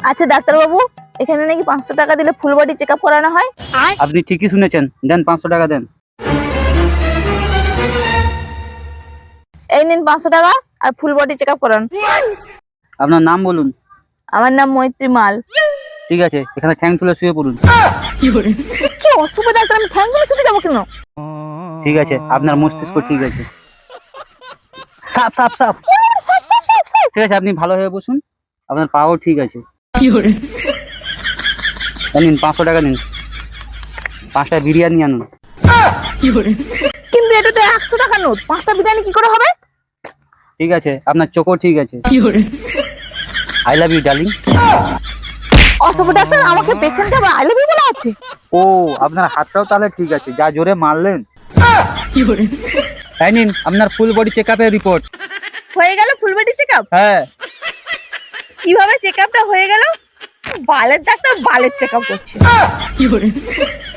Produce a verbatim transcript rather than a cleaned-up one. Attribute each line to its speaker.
Speaker 1: আচ্ছা ডাক্তার বাবু, এখানে নাকি পাঁচশো টাকা দিলে ফুল বডি চেক আপ করানো হয়?
Speaker 2: আপনি ঠিকই শুনেছেন, দেন পাঁচশো টাকা দেন।
Speaker 1: এই নিন পাঁচশো টাকা আর ফুল বডি চেক আপ করান।
Speaker 2: আপনার নাম বলুন।
Speaker 1: আমার নাম মৈত্রী মাল।
Speaker 2: ঠিক আছে, এখানে ঠ্যাং তুলে শুয়ে পড়ুন।
Speaker 1: কি অসুখ ডাক্তার, আমি ঠ্যাং গুলো শুতে যাবো কেন?
Speaker 2: ঠিক আছে, আপনার মস্তিষ্ক ঠিক আছে। সাপ সাপ সাপ। ঠিক আছে, আপনি ভালো হয়ে বসুন, আপনার পাও ঠিক আছে। নিন পাঁচশো টাকা নিন, পাঁচটা বিরিয়ানি আনুন।
Speaker 1: কিন্তু এটা তো একশো টাকা নোট, পাঁচটা বিরিয়ানি কি করে হবে?
Speaker 2: ঠিক আছে, আপনার চোখও ঠিক আছে। I love you darling.
Speaker 1: অসুখ ডাক্তার, আমাকে পেশেন্টকে আবার আই লাভ ইউ বলা হচ্ছে?
Speaker 2: ও, আপনার হাতটাও তাহলে ঠিক আছে, যা জোরে মারলেন। এই নিন আপনার ফুল বডি চেক আপের রিপোর্ট।
Speaker 1: হয়ে গেল ফুল বডি চেক আপ?
Speaker 2: হ্যাঁ।
Speaker 1: কিভাবে চেক আপটা হয়ে গেল? বালের ডাক্তার বালের চেক আপ করছে।